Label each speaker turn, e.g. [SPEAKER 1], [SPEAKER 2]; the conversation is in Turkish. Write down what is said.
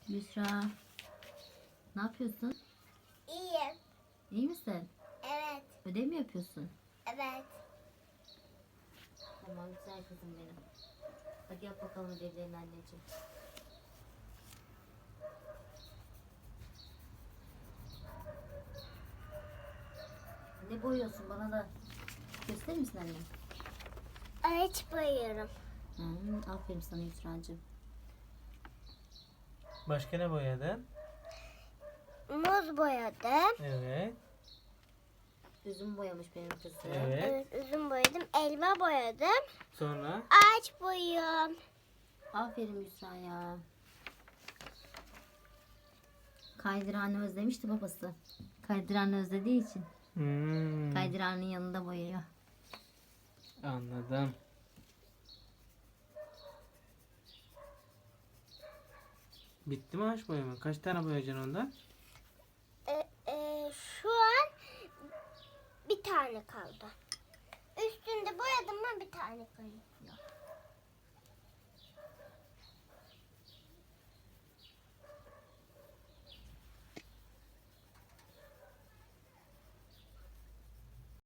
[SPEAKER 1] Büşra, ne yapıyorsun?
[SPEAKER 2] İyiyim.
[SPEAKER 1] İyi misin?
[SPEAKER 2] Evet.
[SPEAKER 1] Ödev mi yapıyorsun?
[SPEAKER 2] Evet.
[SPEAKER 1] Tamam, güzel kızım benim. Hadi yap bakalım ödevlerini anneciğim. Ne boyuyorsun, bana da gösterir misin anne?
[SPEAKER 2] Ağaç boyuyorum.
[SPEAKER 1] Aferin sana Yusra'cığım.
[SPEAKER 3] Başka ne boyadın?
[SPEAKER 2] Muz boyadım.
[SPEAKER 3] Evet.
[SPEAKER 1] Üzüm boyamış benim kızım.
[SPEAKER 3] Evet.
[SPEAKER 2] Evet, üzüm boyadım. Elma boyadım.
[SPEAKER 3] Sonra?
[SPEAKER 2] Ağaç boyuyorum.
[SPEAKER 1] Aferin Yusra ya. Kaydıranı özlemişti babası. Kaydıranı özlediği için kaydıranın yanında boyuyor.
[SPEAKER 3] Anladım. Bitti mi ağaç boyama? Kaç tane boyayacaksın ondan?
[SPEAKER 2] Şu an bir tane kaldı. Üstünde boyadım mı bir tane kalıyor.